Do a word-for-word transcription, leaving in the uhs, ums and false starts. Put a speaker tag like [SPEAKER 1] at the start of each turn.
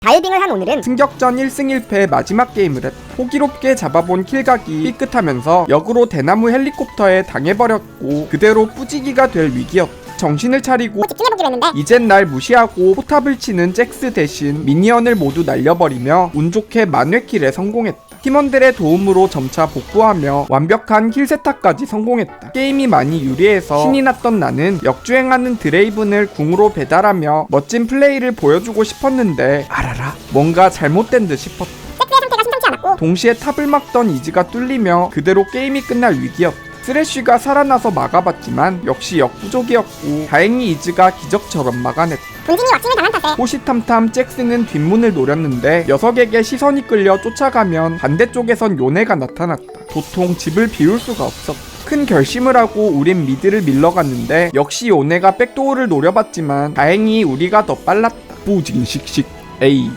[SPEAKER 1] 다이빙을 한 오늘은
[SPEAKER 2] 승격전 일 승 일 패의 마지막 게임을 했다. 호기롭게 잡아본 킬각이 삐끗하면서 역으로 대나무 헬리콥터에 당해버렸고 그대로 뿌지기가 될 위기였다. 정신을 차리고
[SPEAKER 1] 집중해보기로 했는데
[SPEAKER 2] 이젠 날 무시하고 포탑을 치는 잭스 대신 미니언을 모두 날려버리며 운 좋게 만회킬에 성공했다. 팀원들의 도움으로 점차 복구하며 완벽한 킬 세타까지 성공했다. 게임이 많이 유리해서 신이 났던 나는 역주행하는 드레이븐을 궁으로 배달하며 멋진 플레이를 보여주고 싶었는데 알아라 뭔가 잘못된 듯 싶었다.
[SPEAKER 1] 잭스의 상태가 심상치 않았고
[SPEAKER 2] 동시에 탑을 막던 이즈가 뚫리며 그대로 게임이 끝날 위기였다. 쓰레쉬가 살아나서 막아봤지만 역시 역부족이었고 다행히 이즈가 기적처럼 막아냈다.
[SPEAKER 1] 본진이 왁싱을 당한 탓에
[SPEAKER 2] 호시탐탐 잭스는 뒷문을 노렸는데 녀석에게 시선이 끌려 쫓아가면 반대쪽에선 요네가 나타났다. 도통 집을 비울 수가 없었다. 큰 결심을 하고 우린 미드를 밀러갔는데 역시 요네가 백도어를 노려봤지만 다행히 우리가 더 빨랐다. 뿌징 씩씩 에이